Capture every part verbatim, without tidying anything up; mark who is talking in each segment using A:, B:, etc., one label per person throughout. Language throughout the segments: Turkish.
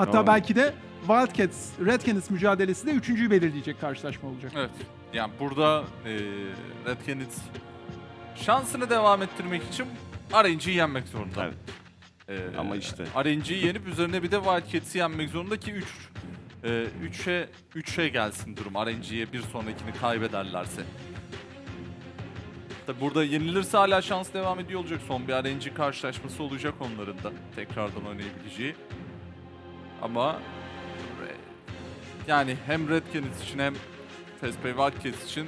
A: Hatta
B: Aa.
A: belki de Wildcats, Red Canids mücadelesi de üçüncüyü belirleyecek karşılaşma olacak.
C: Evet. Yani burada e, Red Canids şansını devam ettirmek için R N G'yi yenmek zorunda.
B: Evet.
C: Ee,
B: Ama işte.
C: R N G'yi yenip üzerine bir de Wildcats'i yenmek zorunda ki üç üçe üçe gelsin durum. R N G'ye bir sonrakini kaybederlerse. Tabi burada yenilirse hala şans devam ediyor olacak. Son bir R N G karşılaşması olacak onların da. Tekrardan oynayabileceği. Ama yani hem Red Canids için hem Fespay Wildcats için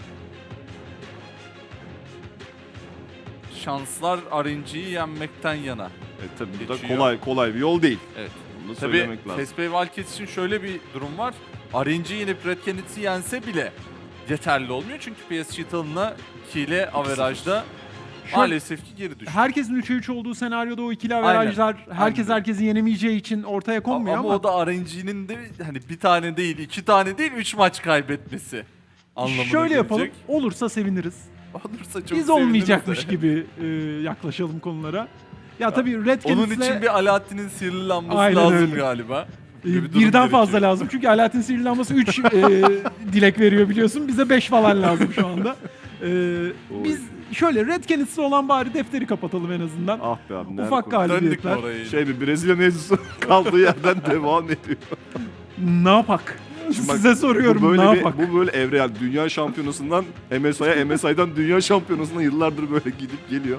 C: şanslar R N G'yi yenmekten yana.
B: E, tabii bu da
C: Geçiyor.
B: kolay kolay bir yol değil.
C: Evet.
B: Bunu da
C: Tabii
B: söylemek lazım.
C: Fespay Wildcats için şöyle bir durum var. R N G yenip Red Canids'i yense bile yeterli olmuyor. Çünkü P S G Talon'a iki ile averajda maalesef ki geri düştü.
A: Herkesin üçe üç olduğu senaryoda o ikili averajlar herkes
C: Aynen.
A: herkesi yenemeyeceği için ortaya konmuyor
C: ama,
A: ama,
C: ama o da R N G'nin de hani bir tane değil, iki tane değil, üç maç kaybetmesi anlamına
A: şöyle yapalım.
C: gelecek.
A: Olursa seviniriz.
C: Olursa çok
A: Biz
C: seviniriz
A: olmayacakmış
C: de.
A: gibi e, yaklaşalım konulara. Ya tabii Red
C: Onun
A: Canids'le
C: için bir Alaaddin'in sihirli lambası
A: Aynen
C: lazım
A: öyle.
C: galiba.
A: e,
C: gibi bir durum
A: birden fazla
C: gerekiyor.
A: lazım. Çünkü Alaaddin Sihirli Lambası üç e, dilek veriyor biliyorsun. Bize beş falan lazım şu anda. E, biz şöyle Red Canids'le olan bari defteri kapatalım en azından.
B: Ah be abi. nerede
A: Ufak
B: konu-
C: Döndük mü
A: galibiyetler.
C: oraya?
B: Şey bir Brezilya mevzusu kaldığı yerden devam ediyor.
A: Ne yapak?
B: Şimdi bak,
A: Size soruyorum
B: bu böyle
A: ne
B: bir-
A: yapak?
B: Bu böyle evre yani dünya şampiyonasından M S I'ye, M S I'dan dünya şampiyonasına yıllardır böyle gidip geliyor.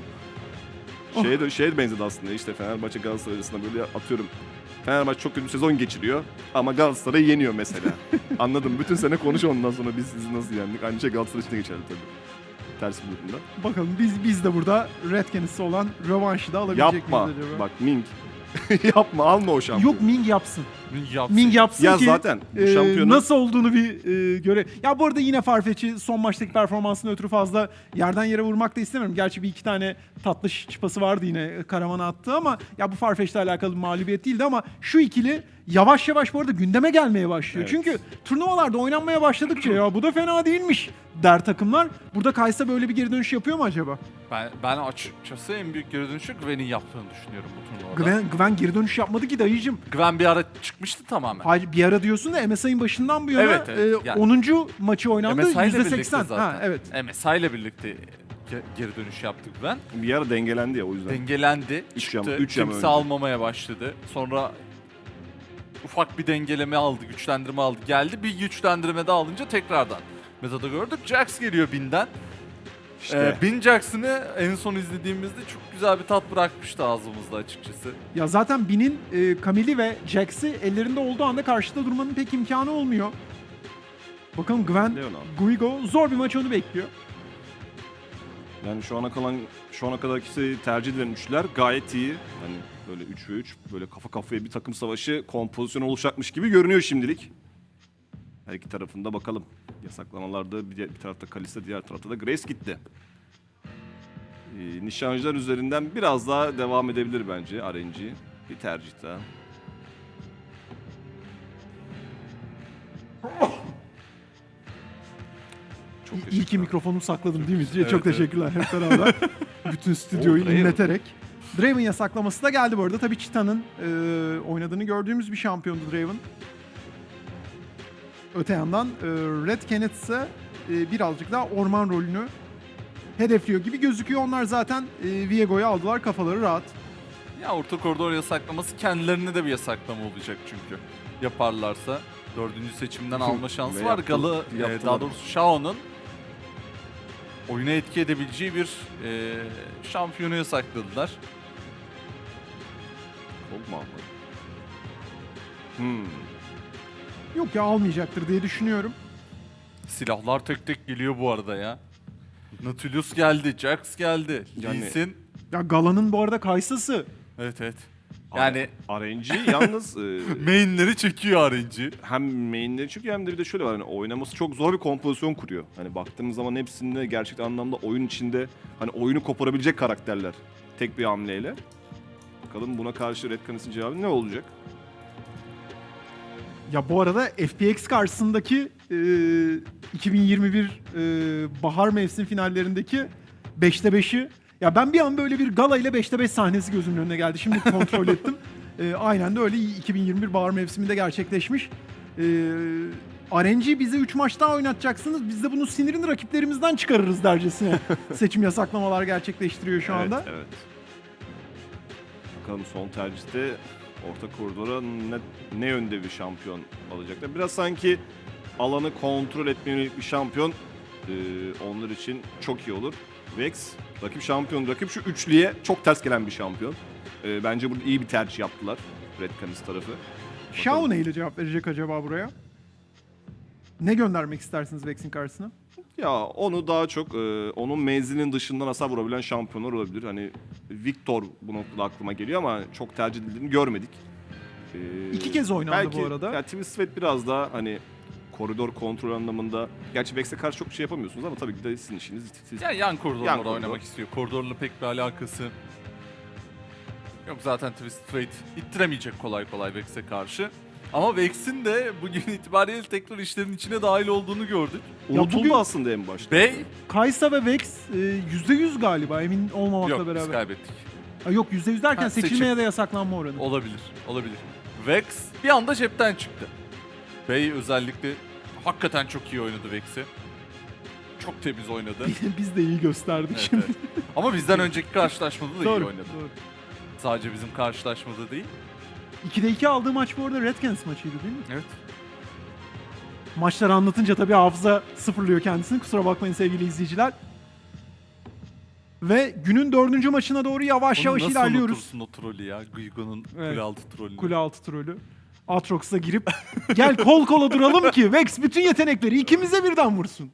B: Şeye de şeye de benzedi aslında işte Fenerbahçe Galatasaray arasında böyle atıyorum. Fenerbahçe çok kötü bir sezon geçiriyor ama Galatasaray'ı yeniyor mesela. Anladım. Bütün sene konuş ondan sonra biz sizi nasıl yendik. Aynı şey Galatasaray için de geçerli tabii. Ters bir durumda.
A: Bakalım biz biz de burada Red Canids'le olan rövanşı da alabilecek
B: Yapma.
A: miyiz acaba?
B: Bak Ming. Yapma alma o şampiyonu.
A: Yok Ming yapsın.
C: Yapsın.
A: Ming yapsın
B: Ya
A: ki
B: zaten bu
A: e,
B: şampiyonun-
A: nasıl olduğunu bir e, göre. Ya bu arada yine Farfetch'i son maçtaki performansını ötürü fazla yerden yere vurmak da istemiyorum. Gerçi bir iki tane tatlı çıpası vardı yine Karaman'a attığı ama ya bu Farfetch'le alakalı bir mağlubiyet değildi ama şu ikili yavaş yavaş bu arada gündeme gelmeye başlıyor.
B: Evet.
A: Çünkü turnuvalarda oynanmaya başladıkça ya bu da fena değilmiş der takımlar. Burada Kaysa böyle bir geri dönüş yapıyor mu acaba?
C: Ben, ben açıkçası en büyük geri dönüşü Gwen'in yaptığını düşünüyorum bu turnuvada.
A: Gwen, Gwen geri dönüş yapmadı ki dayıcım.
C: Gwen bir ara çıkmıştı tamamen.
A: Hayır bir ara diyorsun da M S I'nin başından bu yana
C: Evet, evet.
A: e,
C: Yani-
A: onuncu maçı oynandı
C: M S I ile
A: yüzde
C: birlikte
A: seksen.
C: zaten.
A: Ha evet.
C: M S I ile birlikte ge- geri dönüş yaptık ben.
B: Bir ara dengelendi ya o yüzden.
C: Dengelendi,
B: Üç
C: çıktı,
B: yama- üç yama
C: kimse
B: önce.
C: almamaya başladı. Sonra ufak bir dengeleme aldı, güçlendirme aldı. Geldi bir güçlendirme daha alınca tekrardan metada gördük. Jax geliyor Bin'den.
B: İşte.
C: Ee, Bin Jackson'ı en son izlediğimizde çok güzel bir tat bırakmıştı ağzımızda açıkçası.
A: Ya zaten Bin'in e, Camille'i ve Jax'i ellerinde olduğu anda karşıda durmanın pek imkanı olmuyor. Bakalım Gwen,
B: Leon abi.
A: Guigo zor bir maç onu bekliyor.
B: Yani şu ana kalan şu ana kadar ikisi tercih edilen üçler gayet iyi. Hani böyle üç ve üç böyle kafa kafaya bir takım savaşı kompozisyonu oluşacakmış gibi görünüyor şimdilik. Her iki tarafında bakalım. Yasaklamalarda bir, bir tarafta Kalista, diğer tarafta da Grace gitti. Ee, nişancılar üzerinden biraz daha devam edebilir bence R N G. Bir tercih daha. Çok
A: İyi ki
B: teşekkürler.
A: mikrofonumu sakladım değil mi?
C: Evet,
A: Çok
C: evet.
A: teşekkürler hep beraber. Bütün stüdyoyu
B: O Draven.
A: inleterek. Draven yasaklaması da geldi bu arada. Tabii Cheetah'nın e, oynadığını gördüğümüz bir şampiyondu Draven. Öte yandan e, Red Canids ise e, birazcık daha orman rolünü hedefliyor gibi gözüküyor. Onlar zaten e, Viego'yu aldılar. Kafaları rahat.
C: Ya orta koridor yasaklaması kendilerine de bir yasaklama olacak çünkü. Yaparlarsa dördüncü seçimden alma şansı
B: Ve
C: var.
B: yaptı-
C: Galı, e,
B: yaptılar.
C: daha doğrusu Shao'nun oyuna etki edebileceği bir e, şampiyonu yasakladılar.
B: Çok mu aldı? Hmm.
A: Yok ya almayacaktır diye düşünüyorum.
C: Silahlar tek tek geliyor bu arada ya. Nautilus geldi, Jax geldi,
B: Yani-
C: Lee Sin.
A: Ya Gala'nın bu arada Kaysa'sı.
C: Evet evet. Yani
B: R N G yalnız e,
C: mainleri çekiyor R N G.
B: hem mainleri çünkü hem de bir de şöyle var hani oynaması çok zor bir kompozisyon kuruyor. Hani baktığımız zaman hepsinde gerçek anlamda oyun içinde hani oyunu koparabilecek karakterler tek bir hamleyle. Bakalım buna karşı Red Canids'in cevabı ne olacak?
A: Ya bu arada F P X karşısındaki e, iki bin yirmi bir e, bahar mevsim finallerindeki beşte beşi ya ben bir an böyle bir Gala ile beşte beş sahnesi gözümün önüne geldi. Şimdi kontrol ettim. E, aynen de öyle iki bin yirmi bir bahar mevsiminde gerçekleşmiş. E, R N G bize üç maç daha oynatacaksınız. Biz de bunu sinirini rakiplerimizden çıkarırız dercesine seçim yasaklamalar gerçekleştiriyor şu anda.
B: Evet, evet. Bakalım son tercihte orta koridora ne, ne yönde bir şampiyon alacaklar. Biraz sanki alanı kontrol etmeye yönelik bir şampiyon e, onlar için çok iyi olur. Vex rakip şampiyon, rakip şu üçlüye çok ters gelen bir şampiyon. E, bence burada iyi bir tercih yaptılar Red Canids tarafı.
A: Shao neyle cevap verecek acaba buraya? Ne göndermek istersiniz Vex'in karşısına?
B: Ya onu daha çok e, onun menzilinin dışından hasar vurabilen şampiyonlar olabilir. Hani Victor bu noktada aklıma geliyor ama çok tercih edildiğini görmedik. E,
A: İki kez oynandı
B: belki,
A: bu arada.
B: Ya Twisted biraz daha hani koridor kontrol anlamında. Gerçi Vex'e karşı çok şey yapamıyorsunuz ama tabii ki de sizin işiniz. Siz...
C: Yani yan koridorlarda
B: Yan koridor.
C: oynamak istiyor. Koridorla pek bir alakası yok. Zaten Twisted Fate ittiremeyecek kolay kolay Vex'e karşı. Ama Vex'in de bugün itibariyle tekrar işlerin içine dahil olduğunu gördük.
B: Unutuldu
A: bugün-
B: aslında en başta.
C: Bey
A: Kaysa ve Vex e, yüzde yüz galiba emin olmamakla
C: yok biz
A: beraber.
C: kaybettik.
A: Ha, yok yüzde yüz derken
C: Ha, seçim.
A: seçilmeye de yasaklanma oranı.
C: Olabilir, olabilir. Vex bir anda cepten çıktı. Bey özellikle hakikaten çok iyi oynadı Vex'i. Çok temiz oynadı.
A: Biz de iyi gösterdik
C: Evet,
A: şimdi.
C: evet. Ama bizden önceki karşılaşmada da iyi
A: Doğru,
C: oynadı.
A: doğru.
C: Sadece bizim karşılaşmada değil.
A: ikide iki aldığı maç bu arada Red Canids maçıydı değil mi?
C: Evet.
A: Maçları anlatınca tabii hafıza sıfırlıyor kendisini. Kusura bakmayın sevgili izleyiciler. Ve günün dördüncü maçına doğru yavaş
C: Onu
A: yavaş
C: nasıl
A: ilerliyoruz.
C: unutursun o trolü ya? Guigo'nun
A: Evet.
C: kule altı trolünü.
A: Kule altı trolü. Aatrox'a girip gel kol kola duralım ki Vex bütün yetenekleri ikimize birden vursun.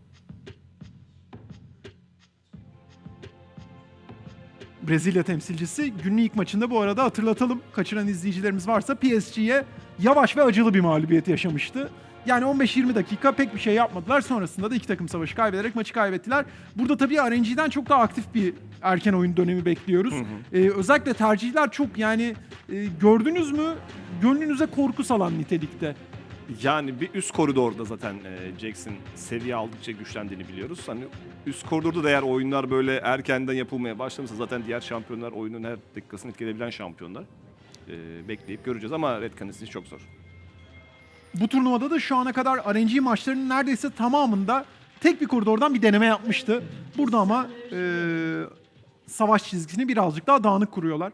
A: Brezilya temsilcisi günün ilk maçında bu arada hatırlatalım. Kaçıran izleyicilerimiz varsa P S G'ye yavaş ve acılı bir mağlubiyet yaşamıştı. Yani on beş yirmi dakika pek bir şey yapmadılar. Sonrasında da iki takım savaşı kaybederek maçı kaybettiler. Burada tabii R N G'den çok daha aktif bir erken oyun dönemi bekliyoruz. Ee, özellikle tercihler çok yani e, gördünüz mü gönlünüze korku salan nitelikte.
B: Yani bir üst koridorda zaten e, Jax'in seviye aldıkça güçlendiğini biliyoruz. Hani üst koridorda da eğer oyunlar böyle erkenden yapılmaya başlamışsa zaten diğer şampiyonlar oyunun her dakikasını etkileyebilen şampiyonlar. E, bekleyip göreceğiz ama Red Canids çok zor.
A: Bu turnuvada da şu ana kadar R N G maçlarının neredeyse tamamında tek bir koridordan bir deneme yapmıştı. Burada ama e, savaş çizgisini birazcık daha dağınık kuruyorlar.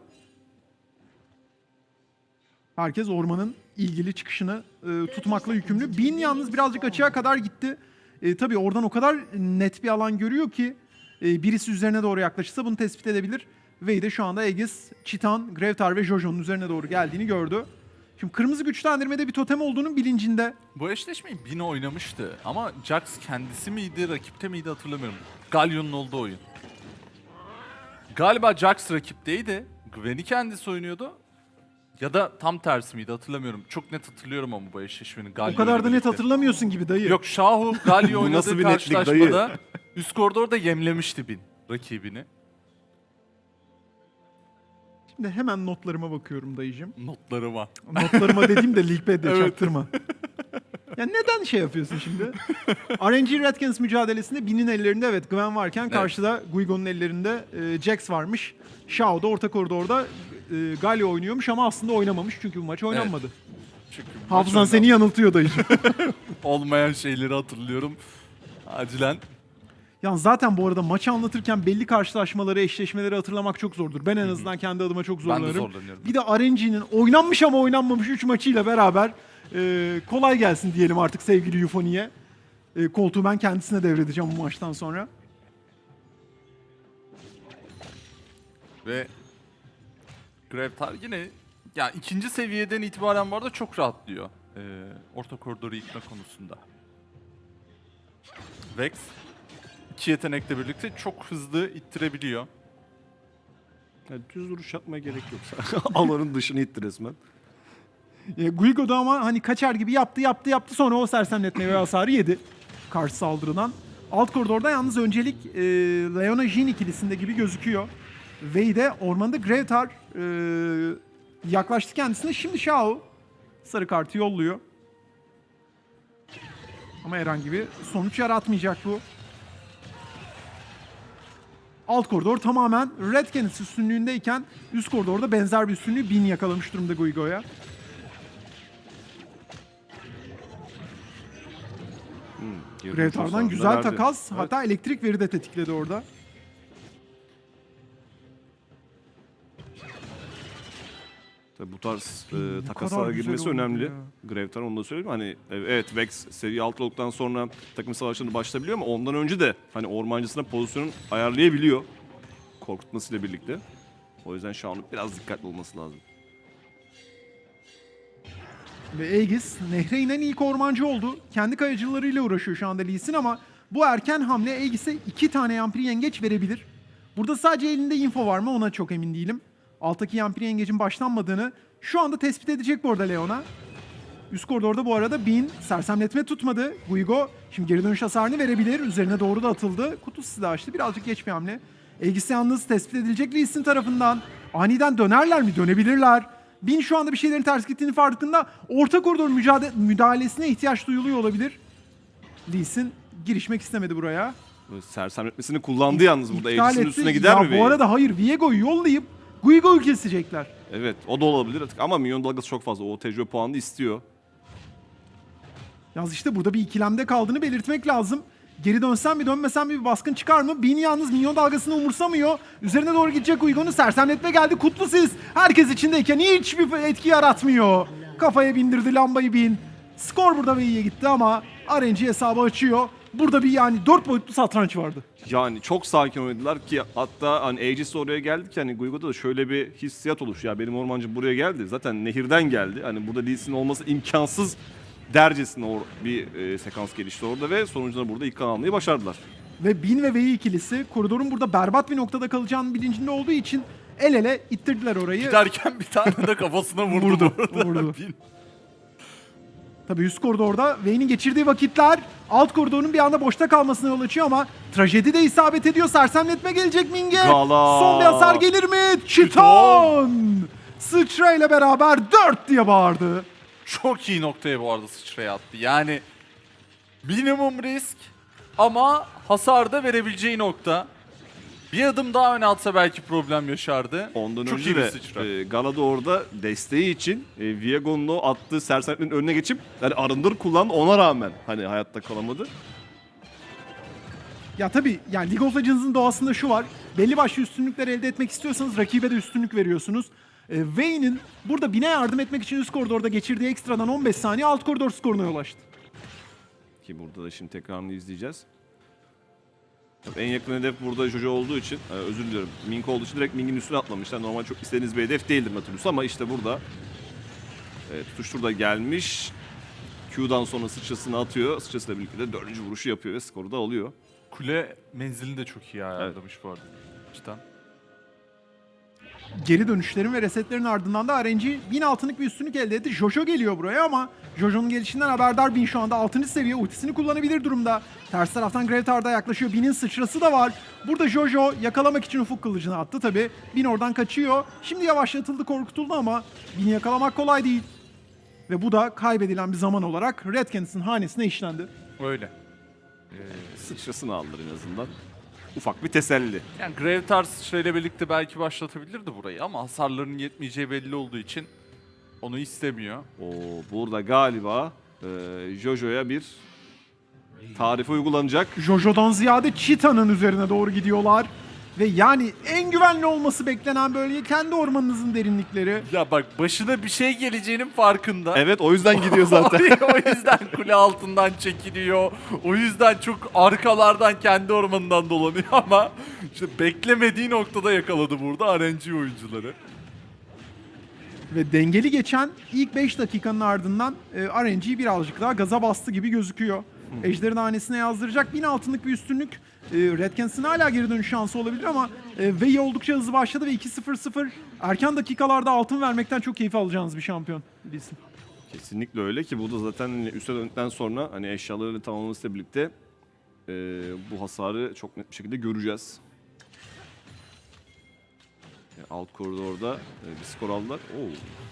A: Herkes ormanın ilgili çıkışını e, tutmakla yükümlü. Bin yalnız birazcık açığa kadar gitti. E, tabii oradan o kadar net bir alan görüyor ki e, birisi üzerine doğru yaklaşırsa bunu tespit edebilir. Vey de şu anda Aegis, Chitan, Grevtar ve Jojo'nun üzerine doğru geldiğini gördü. Şimdi kırmızı güçlendirmede bir totem olduğunun bilincinde.
C: Bu eşleşmeyi Bin oynamıştı ama Jax kendisi miydi, rakipte miydi hatırlamıyorum. Galyon'un olduğu oyun. Galiba Jax rakipteydi. Gwen'i kendisi oynuyordu. Ya da tam tersi miydi hatırlamıyorum. Çok net hatırlıyorum ama bu eşleşmenin Galio
A: O kadar
C: ile
A: da net
C: birlikte.
A: hatırlamıyorsun gibi dayı.
C: Yok Shahu Galio
B: Bu nasıl
C: oynadığı
B: bir netlik dayı?
C: karşılaşmada üst koridorda yemlemişti Bin rakibini.
A: Şimdi hemen notlarıma bakıyorum dayıcım.
C: Notlarıma.
A: Notlarıma dediğim de Leaguepad'de
C: Evet.
A: çaktırma. Ya neden şey yapıyorsun şimdi? R N G Red Canids mücadelesinde Bin'in ellerinde evet Gwen varken
C: Evet.
A: karşıda Guigo'nun ellerinde e, Jax varmış. Shao da orta koridorda e, Galio oynuyormuş ama aslında oynamamış çünkü bu maç oynanmadı.
C: Çünkü bu maç
A: Hafızan seni
C: oynandı.
A: yanıltıyor dayıcım.
C: Olmayan şeyleri hatırlıyorum. Acilen.
A: Yani zaten bu arada maçı anlatırken belli karşılaşmaları, eşleşmeleri hatırlamak çok zordur. Ben en azından kendi adıma çok
C: Ben de
A: zorlanırım.
C: zorlanıyorum.
A: Bir de R N G'nin oynanmış ama oynanmamış üç maçıyla beraber e, kolay gelsin diyelim artık sevgili Euphony'ye. E, koltuğu ben kendisine devredeceğim bu maçtan sonra.
C: Ve Grevtar yine ya ikinci seviyeden itibaren bu arada çok rahatlıyor. Ee, orta koridoru yıkma konusunda. Vex iki yetenekle birlikte çok hızlı ittirebiliyor.
B: Yani düz vuruş yapmaya gerek yok. Alanın dışını itti resmen.
A: E, Guigo da ama hani kaçar gibi yaptı yaptı yaptı sonra o sersemletme ve hasarı yedi karşı saldırıdan. Alt koridorda yalnız öncelik e, Leona Jhin ikilisinde gibi gözüküyor. Vey de ormanda Grevtar e, yaklaştı kendisine. Şimdi Shao sarı kartı yolluyor. Ama herhangi bir sonuç yaratmayacak bu. alt koridor tamamen Red Canids üstünlüğündeyken üst koridorda benzer bir üstünlüğü Bin yakalamış durumda Guigo'ya.
B: Hmm,
A: Gravetar'dan güzel
B: verdi.
A: takas.
B: Evet.
A: Hatta elektrik veri de tetikledi orada.
B: Tabii bu tarz e,
A: Ne
B: takaslara
A: kadar güzel
B: girmesi
A: oldu
B: önemli.
A: ya.
B: Gravetar onu da söyleyeyim. Hani e, evet Vex seviye altı olduktan sonra takım savaşlarına başlayabiliyor ama ondan önce de hani ormancısına pozisyonun ayarlayabiliyor. Korkutmasıyla birlikte. O yüzden şu an biraz dikkatli olması lazım.
A: Ve Aegis nehre inen ilk ormancı oldu. Kendi kayacılarıyla uğraşıyor şu anda Lee Sin ama bu erken hamle Aegis'e iki tane yampiri yengeç verebilir. Burada sadece elinde info var mı ona çok emin değilim. Alttaki yampiri yengecin başlanmadığını şu anda tespit edecek bu arada Leona. Üst koridorda bu arada Bin sersemletme tutmadı. Guigo şimdi geri dönüş hasarını verebilir. Üzerine doğru da atıldı. Kutu silahı açtı. Birazcık geç bir hamle. Aegis yalnız tespit edilecek Lee Sin tarafından. Aniden dönerler mi? Dönebilirler. Bin şu anda bir şeylerin ters gittiğini farkında. Orta koridor mücadele, müdahalesine ihtiyaç duyuluyor olabilir. Lee Sin girişmek istemedi buraya.
B: Böyle sersemletmesini kullandı yalnız burada.
A: İptal
B: Aegis'in
A: etti.
B: üstüne gider
A: ya
B: mi?
A: Bu
B: Vayne?
A: arada hayır. Viego'yu yollayıp Guigo'yu kesecekler.
B: Evet o da olabilir artık ama minyon dalgası çok fazla. O tecrübe puanını istiyor.
A: Yalnız işte burada bir ikilemde kaldığını belirtmek lazım. Geri dönsem mi dönmesem mi bir baskın çıkar mı? Bin yalnız minyon dalgasını umursamıyor. Üzerine doğru gidecek Guigo'nun sersemletme geldi. Kutlu siz. Herkes içindeyken hiçbir etki yaratmıyor. Kafaya bindirdi lambayı Bin. Skor burada ve iyiye gitti ama R N G hesabı açıyor. Burada bir yani dört boyutlu satranç vardı.
B: Yani çok sakin oynadılar ki hatta hani Aegis oraya geldi ki hani Guigo'da da şöyle bir hissiyat oluştu. Ya benim ormancım buraya geldi. Zaten nehirden geldi. Hani burada Lee Sin olması imkansız dercesine or- bir e, sekans gelişti orada ve sonucunda burada ilk kan almayı başardılar.
A: Ve Bin ve Vey ikilisi koridorun burada berbat bir noktada kalacağının bilincinde olduğu için el ele ittirdiler orayı.
C: Giderken bir tane de kafasına vurdu.
A: Vurdu,
C: bu arada.
A: vurdu.
C: Bin-
A: Tabii üst koridorda Vayne'in geçirdiği vakitler alt koridorun bir anda boşta kalmasına yol açıyor ama trajedi de isabet ediyor. Sersemletme gelecek Ming'e.
B: Gala.
A: Son bir hasar gelir mi? Çiton! Sıçrayla beraber dört diye bağırdı.
C: Çok iyi noktaya bu arada sıçraya attı. Yani minimum risk ama hasar da verebileceği nokta. Bir adım daha öne atsa belki problem yaşardı.
B: Ondan
C: Çok
B: önce
C: iyi bir
B: de
C: sıçra.
B: e, Galada orada desteği için e, Viego'nun o attığı sersemletmenin önüne geçip yani arındır kullandı ona rağmen hani hayatta kalamadı.
A: Ya tabii yani League of Legends'ın doğasında şu var. Belli başlı üstünlükler elde etmek istiyorsanız rakibe de üstünlük veriyorsunuz. E, Vayne'in burada Bin'e yardım etmek için üst koridorda geçirdiği ekstradan on beş saniye alt koridor skoruna yol açtı.
B: Ki burada da şimdi tekrarını izleyeceğiz. Tabii en yakın hedef burada Jojo olduğu için, e, özür diliyorum, Mink olduğu için direkt Mink'in üstüne atlamışlar. Normal çok istediğiniz bir hedef değildir Nautilus ama işte burada e, tutuştur da gelmiş. Q'dan sonra sıçrasını atıyor. Sıçrasıyla birlikte de dördüncü vuruşu yapıyor ve skoru da alıyor.
C: Kule menzilini de çok iyi ayarlamış bu arada. Cidden.
A: Geri dönüşlerin ve resetlerin ardından da R N G bin altınlık bir üstünlük elde etti. Jojo geliyor buraya ama Jojo'nun gelişinden haberdar Bin şu anda altıncı seviye ultisini kullanabilir durumda. Ters taraftan Gravetar da yaklaşıyor. Bin'in sıçrası da var. Burada Jojo yakalamak için ufuk kılıcını attı tabi. Bin oradan kaçıyor. Şimdi yavaşlatıldı, korkutuldu ama Bin'i yakalamak kolay değil. Ve bu da kaybedilen bir zaman olarak Red Canids'in hanesine işlendi.
C: Öyle.
B: Sıçrasını aldılar en azından. Ufak bir teselli.
C: Yani Gravetar sıçrayla birlikte belki başlatabilirdi burayı ama hasarlarının yetmeyeceği belli olduğu için onu istemiyor.
B: Oo, burada galiba e, Jojo'ya bir tarife uygulanacak.
A: Jojo'dan ziyade Cheetah'nın üzerine doğru gidiyorlar. Ve yani en güvenli olması beklenen bölge kendi ormanınızın derinlikleri.
C: Ya bak başına bir şey geleceğinin farkında.
B: Evet o yüzden gidiyor zaten.
C: O yüzden kule altından çekiliyor. O yüzden çok arkalardan kendi ormanından dolanıyor ama işte beklemediği noktada yakaladı burada R N G oyuncuları.
A: Ve dengeli geçen ilk beş dakikanın ardından e, R N G birazcık daha gaza bastı gibi gözüküyor. Ejder'in hanesine yazdıracak bin altınlık bir üstünlük. E, Red Canids'in hala geri dönüş şansı olabilir ama e, Vey oldukça hızlı başladı ve iki sıfır sıfır erken dakikalarda altın vermekten çok keyif alacağınız bir şampiyon bilsin.
B: Kesinlikle öyle ki bu da zaten hani üste döndükten sonra hani eşyalarıyla tamamlamasıyla birlikte e, bu hasarı çok net bir şekilde göreceğiz. Yani alt koridorda e, bir skor aldılar. Oo,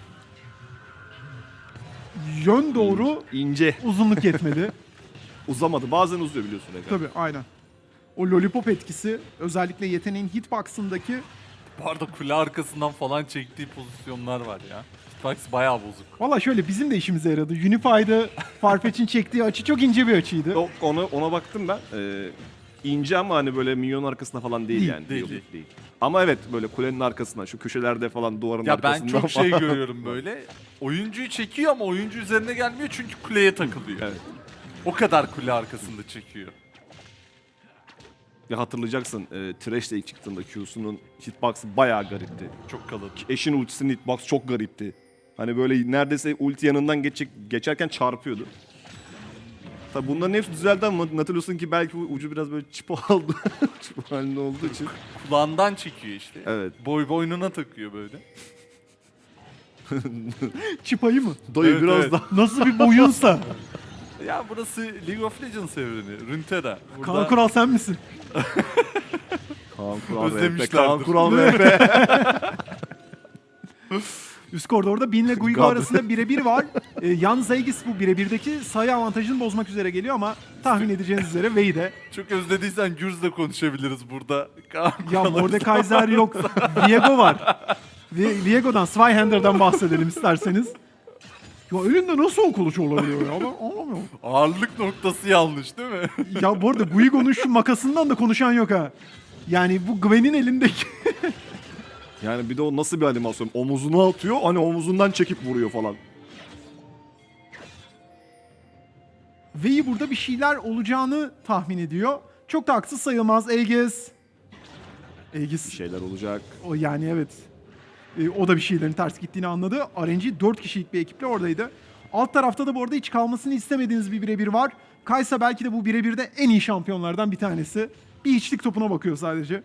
A: Yön doğru
B: ince.
A: uzunluk yetmedi.
B: Uzamadı. Bazen uzuyor biliyorsun. Eka.
A: Tabii aynen. o lollipop etkisi özellikle yeteneğin hitbox'ındaki
C: Bu arada kule arkasından falan çektiği pozisyonlar var ya. Hitbox bayağı bozuk.
A: valla şöyle bizim de işimize yaradı. Unify'da Farfetch'in çektiği açı çok ince bir açıydı.
B: O- Ona, ona baktım ben. Ee, ince ama hani böyle milyon arkasında falan değil,
A: Değil,
B: yani.
C: değil,
B: Yok,
C: değil.
B: değil. Ama evet böyle kulenin arkasından, şu köşelerde falan, duvarın
C: Ya ben
B: arkasından
C: çok
B: falan.
C: şey görüyorum böyle. Oyuncuyu çekiyor ama oyuncu üzerine gelmiyor çünkü kuleye takılıyor.
B: Evet.
C: O kadar kule arkasında çekiyor.
B: Ya hatırlayacaksın, e, Thresh'le ilk çıktığında Q'sunun hitbox'ı bayağı garipti.
C: Çok kalın.
B: Eşin ultisinin hitbox çok garipti. Hani böyle neredeyse ulti yanından geçecek, geçerken çarpıyordu. Tabi bunların hepsi düzeldi ama Nautilus'un ki belki ucu biraz böyle çipo aldı. Çipo halinde olduğu için.
C: Kulağından çekiyor işte.
B: Evet.
C: Boy boynuna takıyor böyle.
A: Çıpayı mı?
B: Dayı
C: Evet,
B: biraz
C: evet.
B: daha.
A: Nasıl bir boyunsa.
C: Ya burası League of Legends evreni. Runeterra. Burada
A: Kaan Kural sen misin?
B: Kaan Kural R P.
C: Özlemişlerdir.
B: Kaan Kural R P.
A: Üst koridorda Bin ile Guigo
B: God.
A: arasında birebir var. Ee, yalnız Aegis bu birebirdeki sayı avantajını bozmak üzere geliyor ama tahmin edeceğiniz üzere Vey de.
C: çok özlediysen Gürz'le konuşabiliriz burada. Kaan
A: Ya
C: Kural'ı-
A: Mordekaiser yok. Viego var. Ve Viego'dan, Zweihander'dan bahsedelim isterseniz. Ya elinde nasıl o kılıç olabiliyor ya? Ben anlamıyorum.
C: Ağırlık noktası yanlış değil mi?
A: Ya bu arada Guigo'nun şu makasından da konuşan yok ha. Yani bu Gwen'in elindeki...
B: Yani bir de o nasıl bir animasyon? Omuzuna atıyor, hani omuzundan çekip vuruyor falan.
A: Vey'i burada bir şeyler olacağını tahmin ediyor. Çok da haksız sayılmaz. Aegis. Aegis.
B: Bir şeyler olacak.
A: O yani evet. E, o da bir şeylerin ters gittiğini anladı. R N G dört kişilik bir ekiple oradaydı. Alt tarafta da bu arada hiç kalmasını istemediğiniz bir birebir var. Kaysa belki de bu birebirde en iyi şampiyonlardan bir tanesi. Bir içlik topuna bakıyor sadece.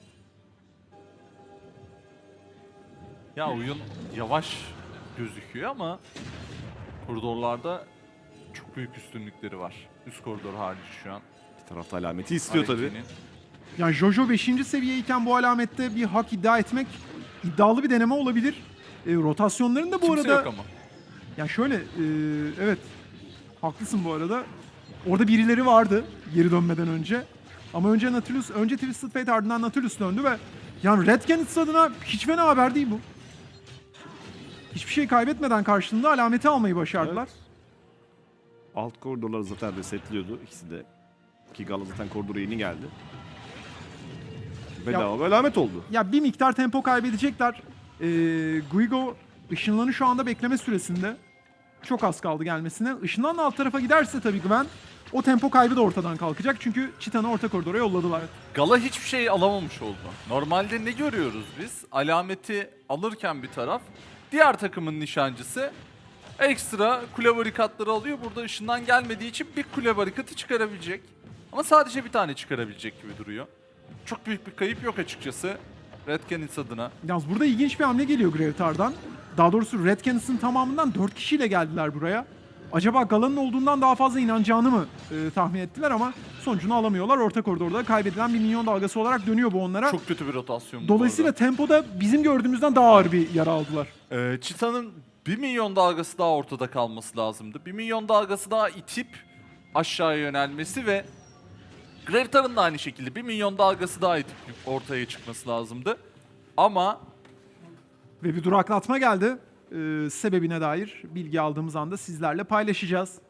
C: Ya oyun yavaş gözüküyor ama koridorlarda çok büyük üstünlükleri var. Üst koridor harici şu an.
B: Bir tarafta alameti istiyor tabii.
C: R N G'nin.
A: Yani Jojo beşinci seviyeyken bu alamette bir hak iddia etmek iddialı bir deneme olabilir. E, rotasyonların da bu
C: Kimse
A: arada...
C: yok ama.
A: Ya şöyle, e, evet haklısın bu arada. Orada birileri vardı geri dönmeden önce. Ama önce Nautilus, önce Twisted Fate ardından Nautilus döndü ve yani Red Canids adına hiç fena haber değil bu. Hiçbir şey kaybetmeden karşılığında alameti almayı başardılar.
B: Alt koridorlar zaten resetliyordu ikisi de. Ki Gala zaten koridora yeni geldi. Bedava bir alamet oldu.
A: Ya bir miktar tempo kaybedecekler. Ee, Guigo ışınlanı şu anda bekleme süresinde. Çok az kaldı gelmesine. Işınlanla alt tarafa giderse tabii Gwen o tempo kaybı da ortadan kalkacak. Çünkü Çitan'ı orta koridora yolladılar.
C: Gala hiçbir şey alamamış oldu. Normalde ne görüyoruz biz? Alameti alırken bir taraf, diğer takımın nişancısı ekstra kule barikatları alıyor. Burada ışından gelmediği için bir kule barikatı çıkarabilecek. Ama sadece bir tane çıkarabilecek gibi duruyor. Çok büyük bir kayıp yok açıkçası Red Canids adına.
A: Yalnız burada ilginç bir hamle geliyor Gravitar'dan. Daha doğrusu Red Canids'in tamamından dört kişiyle geldiler buraya. Acaba Gala'nın olduğundan daha fazla inanacağını mı e, tahmin ettiler ama sonucunu alamıyorlar. Orta koridorda kaybedilen bir minyon dalgası olarak dönüyor bu onlara.
C: Çok kötü bir rotasyon bu
A: Dolayısıyla
C: arada.
A: tempoda bizim gördüğümüzden daha ağır bir yara aldılar.
C: Ee, Çita'nın bir milyon dalgası daha ortada kalması lazımdı. bir milyon dalgası daha itip aşağıya yönelmesi ve Gravitar'ın da aynı şekilde bir milyon dalgası daha itip ortaya çıkması lazımdı. Ama
A: Ve bir duraklatma geldi. Ee, sebebine dair bilgi aldığımız anda sizlerle paylaşacağız.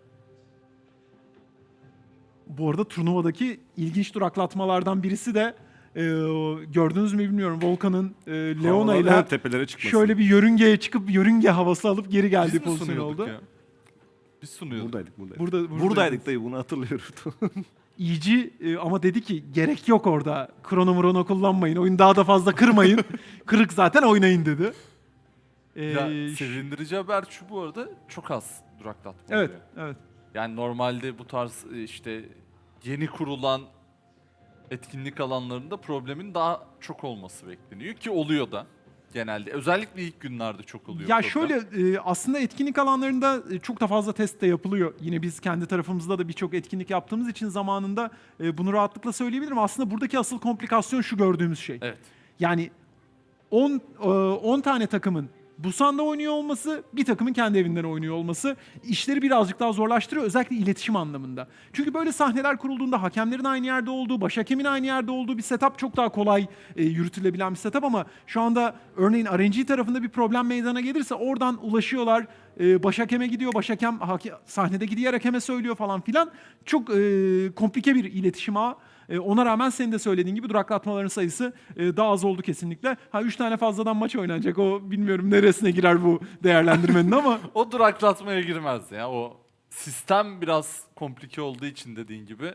A: Bu arada turnuvadaki ilginç duraklatmalardan birisi de e, gördünüz mü bilmiyorum. Volkan'ın e, Leona ile
B: Havalara, tepelere çıkması.
A: şöyle bir yörüngeye çıkıp yörünge havası alıp geri
C: biz
A: geldiği
C: mi
A: pozisyon
C: sunuyorduk
A: oldu.
C: ya? Biz sunuyorduk.
B: Buradaydık, buradaydık.
A: Burada, burada
B: Buradaydık dayı, bunu hatırlıyorum.
A: İyici e, ama dedi ki gerek yok orada. Krono mrono kullanmayın. Oyun daha da fazla kırmayın. Kırık zaten oynayın dedi. Ee,
C: Ya,
A: ş-
C: sevindirici haber şu bu arada, çok az duraklatma
A: evet,
C: oluyor.
A: evet.
C: Yani normalde bu tarz e, işte yeni kurulan etkinlik alanlarında problemin daha çok olması bekleniyor ki oluyor da genelde. Özellikle ilk günlerde çok oluyor.
A: Ya
C: problem.
A: şöyle e, aslında etkinlik alanlarında e, çok da fazla test de yapılıyor. Yine biz kendi tarafımızda da birçok etkinlik yaptığımız için zamanında e, bunu rahatlıkla söyleyebilirim. Aslında buradaki asıl komplikasyon şu gördüğümüz şey.
C: Evet.
A: Yani on, e, on tane takımın Busan'da oynuyor olması, bir takımın kendi evinden oynuyor olması işleri birazcık daha zorlaştırıyor. Özellikle iletişim anlamında. Çünkü böyle sahneler kurulduğunda hakemlerin aynı yerde olduğu, baş hakemin aynı yerde olduğu bir setup çok daha kolay e, yürütülebilen bir setup ama şu anda örneğin R N G tarafında bir problem meydana gelirse oradan ulaşıyorlar. E, baş hakeme gidiyor, baş hakem hake, sahnedeki diğer hakeme söylüyor falan filan. Çok e, komplike bir iletişim ağı. E, ona rağmen senin de söylediğin gibi duraklatmaların sayısı e, daha az oldu kesinlikle. Ha üç tane fazladan maç oynanacak. O bilmiyorum neresine girer bu değerlendirmenin ama.
C: O duraklatmaya girmez ya. O sistem biraz komplike olduğu için dediğin gibi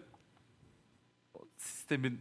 C: o sistemin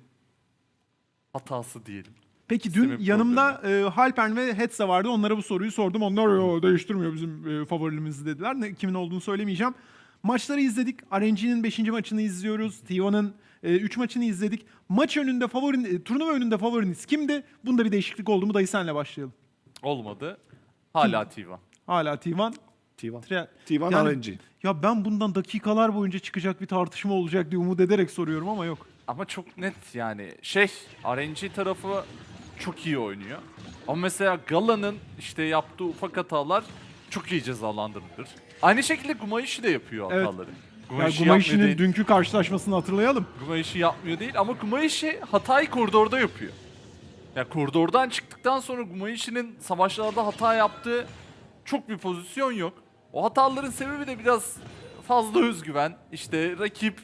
C: hatası diyelim.
A: Peki dün
C: Sistemin
A: yanımda e, Halpern ve Hetze vardı. Onlara bu soruyu sordum. Onlar "Yo, değiştirmiyor bizim e, favorilerimizi" dediler. Ne, kimin olduğunu söylemeyeceğim. Maçları izledik. R N G'nin beşinci maçını izliyoruz. T bir'ın üç maçını izledik. Maç önünde favorin, e, turnuva önünde favoriniz kimdi? Bunda bir değişiklik oldu mu? Dayı senle başlayalım.
C: Olmadı. Hala T bir.
A: Hala T bir.
B: T bir.
A: Tre-
B: T bir
A: Yani-
B: R N G.
A: Ya ben bundan dakikalar boyunca çıkacak bir tartışma olacak diye umut ederek soruyorum ama yok.
C: Ama çok net yani şey R N G tarafı çok iyi oynuyor. Ama mesela Gala'nın işte yaptığı ufak hatalar çok iyi cezalandırılır. Aynı şekilde Gumayushi de yapıyor
A: Evet.
C: hataları.
A: Ya
C: Gumayushi
A: Gumayushi'nin
C: yapmıyor değil.
A: dünkü karşılaşmasını hatırlayalım.
C: Gumayushi yapmıyor değil ama Gumayushi hatayı koridorda yapıyor. Ya koridordan çıktıktan sonra Gumayushi'nin savaşlarda hata yaptığı çok bir pozisyon yok. O hataların sebebi de biraz fazla özgüven. İşte rakip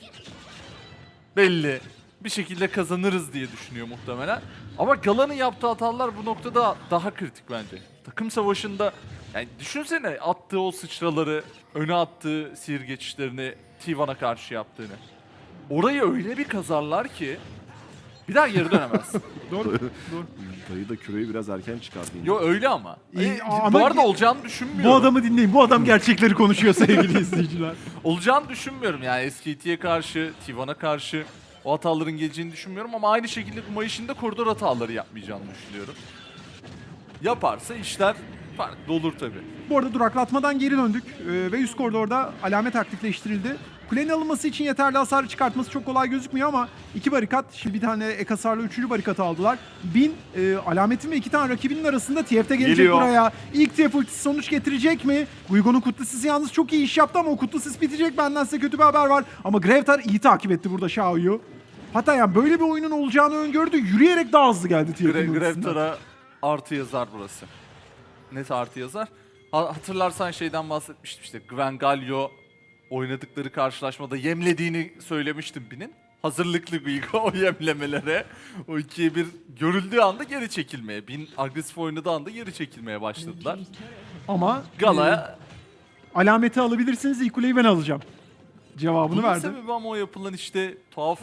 C: belli. Bir şekilde kazanırız diye düşünüyor muhtemelen. Ama Gala'nın yaptığı hatalar bu noktada daha kritik bence. Takım savaşında yani düşünsene attığı o sıçraları, öne attığı sihir geçişlerini T bir'a karşı yaptığını. Orayı öyle bir kazarlar ki bir daha geri dönemez.
A: Doğru. Doğru.
B: Dayı da küreyi biraz erken çıkardı. yine.
C: Yo öyle ama.
A: İyi,
C: E,
A: ama
C: bu arada
A: ge-
C: olacağını düşünmüyorum.
A: Bu adamı dinleyin. Bu adam gerçekleri konuşuyor sevgili izleyiciler.
C: Olacağını düşünmüyorum yani S K T'ye karşı, T bir'a karşı o hataların geleceğini düşünmüyorum ama aynı şekilde Gumayushi'nin de koridor hataları yapmayacağını düşünüyorum. Yaparsa işler farklı olur tabii.
A: Bu arada duraklatmadan geri döndük ee, ve üst koridorda alamet aktifleştirildi. Kulenin alınması için yeterli hasarı çıkartması çok kolay gözükmüyor ama iki barikat, şimdi bir tane ek hasarla üçüncü barikatı aldılar. Bin e, alametin ve iki tane rakibinin arasında T F'de gelecek
B: Geliyor.
A: buraya. İlk T F ultisi sonuç getirecek mi? Guigo'nun kutlu sisi yalnız çok iyi iş yaptı ama o kutlu sis bitecek. Benden size kötü bir haber var. Ama Gravetar iyi takip etti burada Xiao'yu. Hatta yani böyle bir oyunun olacağını öngördü. Yürüyerek daha hızlı geldi T F'nin
C: Gre
A: ultisinden.
C: Grevtar'a artı yazar burası. Net artı yazar. Ha- hatırlarsan şeyden bahsetmiştim işte Gwen Galio oynadıkları karşılaşmada yemlediğini söylemiştim Bin'in. Hazırlıklı Guigo o yemlemelere. O ikiye bir görüldüğü anda geri çekilmeye. Bin agresif oynadığı anda geri çekilmeye başladılar.
A: Ama
C: Gala'ya
A: alameti alabilirsiniz, ilk kuleyi ben alacağım cevabını
C: bunun
A: verdi.
C: sebebi ama o yapılan işte tuhaf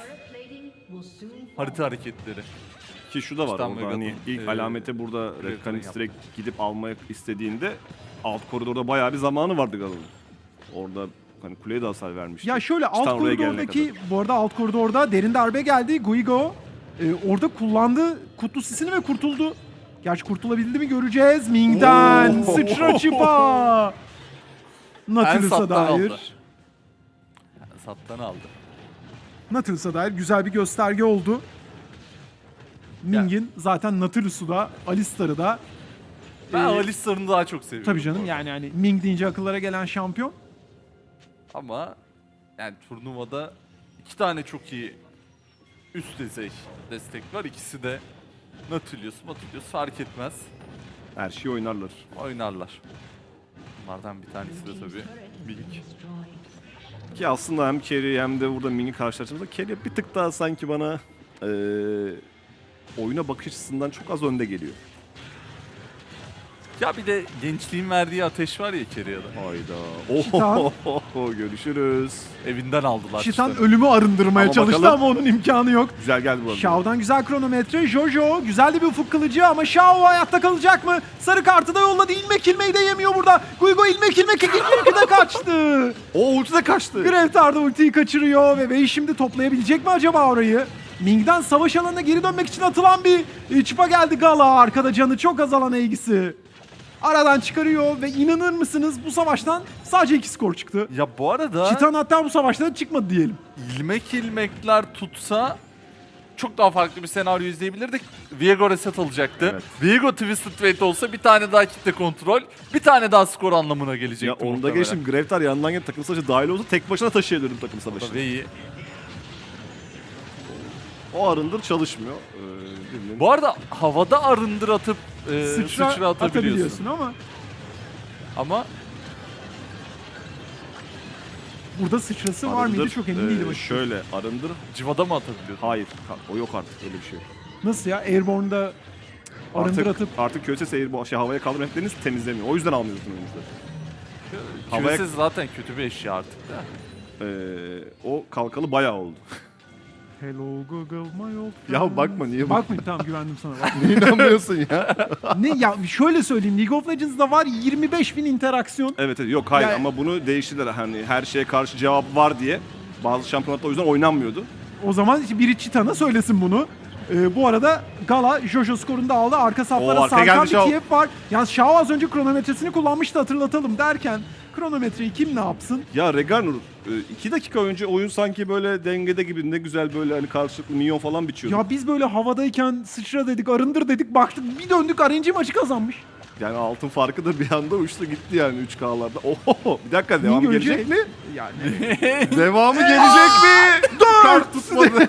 C: harita hareketleri.
B: Ki şu da var
C: İşte
B: orada
C: Megadon,
B: hani ilk
C: e,
B: alamete burada
C: Gravetar'ın
B: Red Canis
C: yaptı.
B: direkt gidip almak istediğinde alt koridorda bayağı bir zamanı vardı Gala'nın. Orada hani kuleye de hasar vermişti.
A: Ya şöyle alt
B: Titan oraya gelene
A: koridordaki,
B: kadar.
A: bu arada alt koridorda derin darbe geldi. Guigo e, orada kullandı kutlu sisini ve kurtuldu. Gerçi kurtulabildi mi göreceğiz. Ming'den
B: Oo.
A: sıçra çıpa. Nautilus'a
C: Ensat'tan
A: dair.
C: aldı. Sattan aldı.
A: Nautilus'a dair güzel bir gösterge oldu. Ming'in zaten Nautilus'u da Alistar'ı da
C: Ben
A: e,
C: Alistar'ını daha çok seviyorum.
A: tabii canım
C: bu arada.
A: yani hani Ming deyince akıllara gelen şampiyon.
C: Ama yani turnuvada iki tane çok iyi üst düzey destek var. İkisi de Nautilus, Nautilus fark etmez.
B: Her şeyi oynarlar.
C: Oynarlar. Bunlardan bir tanesi de tabii Ming.
B: Ki aslında hem Kerry hem de burada Ming'i karşılaştığımızda Kerry bir tık daha sanki bana eee oyuna bakış açısından çok az önde geliyor.
C: Ya bir de gençliğin verdiği ateş var ya Kerry'a'da.
B: Hayda.
A: Şitan.
B: Oho, görüşürüz.
C: Evinden aldılar
A: Şitan
C: işte.
A: ölümü arındırmaya
B: Ama
A: çalıştı
B: bakalım.
A: ama onun imkanı yok.
B: Güzel geldi bu arada.
A: Shao'dan güzel kronometre. Jojo güzel de bir ufuk kılıcı ama Shao hayatta kalacak mı? Sarı kartı da yolladı. İlmek ilmeği de yemiyor burada. Guigo ilmek ilmek ikinci ülkede kaçtı.
B: O ulti de kaçtı.
A: Gravetar da ultiyi kaçırıyor ve Wei şimdi toplayabilecek mi acaba orayı? Ming'den savaş alanına geri dönmek için atılan bir e, çıpa geldi Gala. Arkada canı çok azalan Aegis'i aradan çıkarıyor ve inanır mısınız bu savaştan sadece iki skor çıktı.
C: Ya bu arada
A: Titan hatta bu savaştan çıkmadı diyelim.
C: ilmek ilmekler tutsa çok daha farklı bir senaryo izleyebilirdik. Viego reset alacaktı.
B: Evet.
C: Viego Twisted Fate olsa bir tane daha kitle kontrol, bir tane daha skor anlamına gelecekti.
B: Ya onu da
C: muhtemelen.
B: geçtim. Gravetar yanından gelip takım savaşı dahil olsa tek başına taşıyabilirdim takım savaşını.
C: Ve iyi.
B: O arındır çalışmıyor. Ee, birinin-
C: Bu arada havada arındır atıp e,
A: Sıçra,
C: sıçra, atabiliyorsun.
A: atabiliyorsun ama
C: Ama
A: burada sıçrası var mıydı
B: Arındır,
A: çok emin
B: e,
A: değilim. açıkçası.
B: Şöyle arındır.
C: civada mı atabiliyorsun?
B: Hayır. ka- O yok artık öyle bir şey.
A: Nasıl ya? Airborne'da arındır
B: Artık,
A: atıp
B: artık Q S S bu şey havaya kaldırma etlerini temizlemiyor. O yüzden almıyorsun oyuncuları. Havaya-
C: Q S zaten kötü bir eşya artık da.
B: Ee, o kalkalı bayağı oldu.
A: Hello Google my old friend.
B: Ya bakma, niye bak-
A: Bakmayayım, tamam, güvendim sana. Bakma.
B: Niye inanmıyorsun ya?
A: Ne ya, şöyle söyleyeyim, League of Legends'da var yirmi beş bin interaksiyon.
B: Evet, evet yok hayır
A: Yani-
B: ama bunu değiştirdiler hani her şeye karşı cevap var diye. Bazı şampiyonatlar o yüzden oynanmıyordu.
A: O zaman işte biri Çitan'a söylesin bunu. Ee, bu arada Gala Jojo skorunu da aldı. Arka saflara
B: Oo, arkaya
A: sarkan
B: geldi
A: bir
B: Shao.
A: Kiev var. Yalnız Shao az önce kronometresini kullanmıştı, hatırlatalım derken kronometreyi kim ne yapsın?
B: Ya Reganur iki dakika önce oyun sanki böyle dengede gibi ne güzel böyle hani karşılıklı minyon falan biçiyordu.
A: Ya biz böyle havadayken sıçra dedik, arındır dedik, baktık bir döndük R N G maçı kazanmış.
B: Yani altın farkı da bir anda uçtu gitti yani üç K'larda. Oho bir dakika devam
A: Mingo
B: gelecek
A: ölecek
B: mi?
A: Yani
B: Devamı gelecek mi? Kart tutmadı.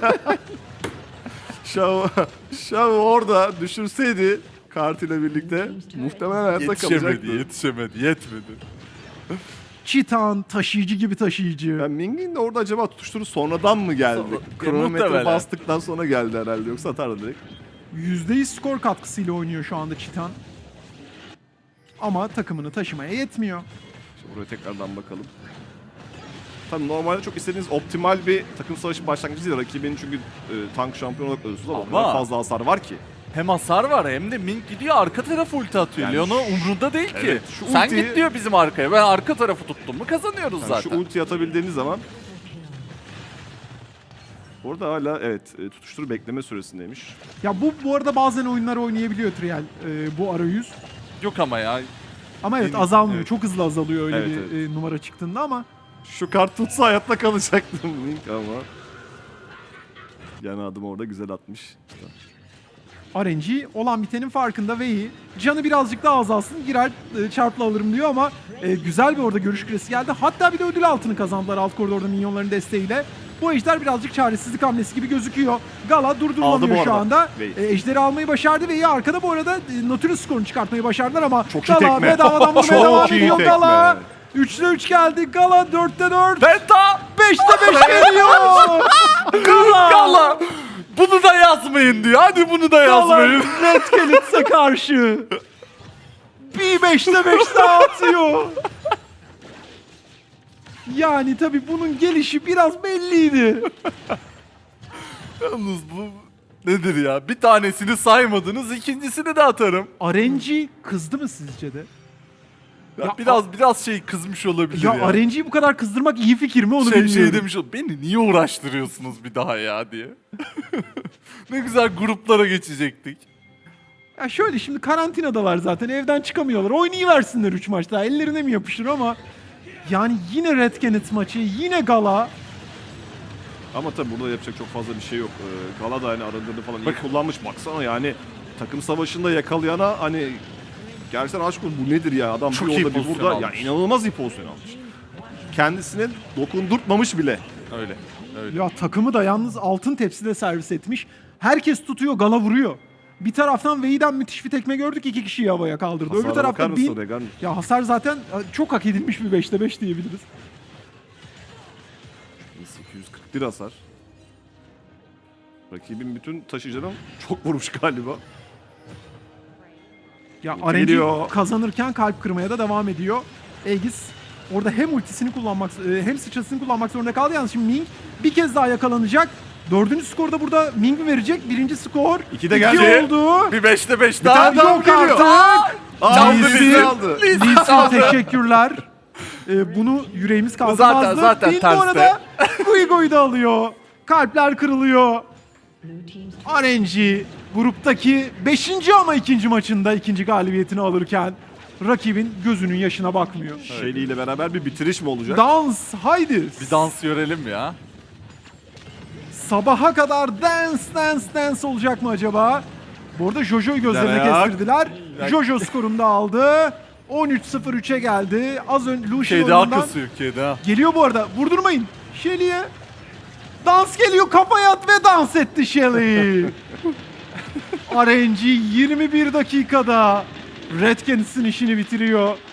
B: Şav, Şav orada düşürseydi kartıyla birlikte muhtemelen hayatta
C: Yetişemedi,
B: kalacaktı.
C: yetişemedi, yetmedi.
A: Çitan taşıyıcı gibi taşıyıcı.
B: Yani Ming'in de orada acaba tutuşturu sonradan mı geldi?
C: Sonra-
B: Kronometre
C: muhtemelen.
B: bastıktan sonra geldi herhalde yoksa atardı direkt.
A: yüzde yüz skor katkısıyla oynuyor şu anda Çitan. Ama takımını taşımaya yetmiyor.
B: Şimdi buraya tekrardan bakalım. Tabii normalde çok istediğiniz optimal bir takım savaşı başlangıcı değil. Rakibinin çünkü e, tank şampiyonu olarak ölüyorsunuz ama, o kadar
C: Ama-
B: fazla hasar var ki.
C: Hem hasar var hem de Mink gidiyor arka tarafa ulti atıyor.
B: Yani
C: Leona umrunda değil ki.
B: Evet, şu
C: Sen
B: ultiyi-
C: git diyor bizim arkaya. Ben arka tarafı tuttum mu kazanıyoruz
B: Yani
C: zaten.
B: şu ulti atabildiğiniz zaman orada hala evet e, tutuşturu bekleme süresindeymiş.
A: Ya bu bu arada bazen oyunlar oynayabiliyor Trial, e, bu arayüz.
C: Yok ama ya.
A: Ama evet
C: Benim-
A: azalmıyor.
C: evet.
A: Çok hızlı azalıyor öyle
B: Evet,
A: bir
B: evet.
A: e, numara çıktığında ama
B: Şu kart tutsa hayatta kalacaktım Link ama. Yani adım orada güzel atmış.
A: R N G olan bitenin farkında ve iyi. Canı birazcık daha azalsın, girer e, çarpla alırım diyor ama e, güzel bir orada görüş küresi geldi. Hatta bir de ödül altını kazandılar alt koridorda minyonların desteğiyle. Bu ejder birazcık çaresizlik hamlesi gibi gözüküyor. Gala
B: Aldı bu
A: durdurulamıyor şu
B: arada.
A: anda.
B: Ve-
A: E, ejderi almayı başardı ve iyi arkada bu arada e, Nautilus skorunu çıkartmayı başardılar ama
B: Çok iyi
A: Gala
B: tekme.
A: bedavadan vurmaya
B: Çok
A: devam
B: iyi
A: ediyor
B: tekme.
A: Gala. üçte üç geldi. Gala dörtte dört.
C: Penta!
A: beşte beş geliyor. Gala.
C: Gala! Bunu da yazmayın diyor. Hadi bunu da
A: Gala
C: yazmayın.
A: Red Canids'e karşı. Bir beşte beş daha atıyor. Yani tabii bunun gelişi biraz belliydi.
C: Yalnız bu nedir ya? Bir tanesini saymadınız, ikincisini de atarım.
A: R N G kızdı mı sizce de?
C: Ya
A: Ya
C: biraz biraz şey kızmış olabilir
A: Ya,
C: ya.
A: R N G'yi bu kadar kızdırmak iyi fikir mi onu
C: şey,
A: bilmiyorum.
C: şey demiş ol, beni niye uğraştırıyorsunuz bir daha ya diye. Ne güzel gruplara geçecektik.
A: Ya şöyle, şimdi karantinadalar zaten, evden çıkamıyorlar. Oynayıversinler üç maç daha, ellerine mi yapışır ama yani yine Red Canids maçı, yine Gala.
B: Ama tabii burada yapacak çok fazla bir şey yok. Ee, Gala da hani arındırdı falan iyi
C: Bak-
B: kullanmış. Baksana yani takım savaşında yakalayana hani gerçekten aşk olsun bu nedir ya adam
C: Çok
B: bir
C: iyi
B: orada bir
C: pozisyon
B: burada
C: almış.
B: yani inanılmaz iyi pozisyon almış. Kendisine dokundurtmamış bile.
C: Öyle. Öyle.
A: Ya takımı da yalnız altın tepside servis etmiş. Herkes tutuyor, Gala vuruyor. Bir taraftan Vei'den müthiş bir tekme gördük, iki kişiyi havaya kaldırdı.
B: Hasara
A: Öbür
B: bakar
A: tarafta
B: mısın
A: Bin.
B: Regan?
A: Ya hasar zaten çok hak edilmiş bir beşte beş diyebiliriz.
B: iki yüz kırk bir hasar. Rakibin bütün taşıyıcıdan çok vurmuş galiba.
A: Ya
B: Ulti
A: R N G
B: geliyor.
A: kazanırken kalp kırmaya da devam ediyor. Aegis orada hem ultisini kullanmak e, hem sıçrasını kullanmak zorunda kaldı. Yalnız şimdi Ming bir kez daha yakalanacak. Dördüncü skoru da burada Ming mi verecek? Birinci skor.
B: İki de
A: İki
B: geldi.
A: oldu.
C: Bir beşte beş
B: Bir tane
C: daha.
B: daha
A: Yok
B: geliyor.
A: artık.
B: Aldı
A: Lee
B: bizi
A: Sin.
B: aldı.
C: Lee Sin
A: Lee Sin,
C: aldı.
A: teşekkürler. E, bunu yüreğimiz kaldırmazdı.
C: Zaten- zaten
A: Bin bu
C: terste.
A: arada Guigo'yu da alıyor. Kalpler kırılıyor. R N G gruptaki beşinci ama ikinci maçında ikinci galibiyetini alırken rakibin gözünün yaşına bakmıyor.
B: Shelly ile beraber bir bitiriş mi olacak?
A: Dans haydi.
C: Bir dans görelim ya.
A: sabaha kadar dance dance dance olacak mı acaba? Bu arada Jojo'yu gözlerine
B: Güzel ayak.
A: kestirdiler. Jojo skorunu da aldı. on üç sıfır üçe geldi. Az önce Lucian
C: Keda
A: oyunundan
C: kasıyor Keda.
A: geliyor bu arada. Vurdurmayın. Shelly'e dans geliyor. Kafaya at ve dans etti Shelly. R N G yirmi bir dakikada Red Canids'in işini bitiriyor.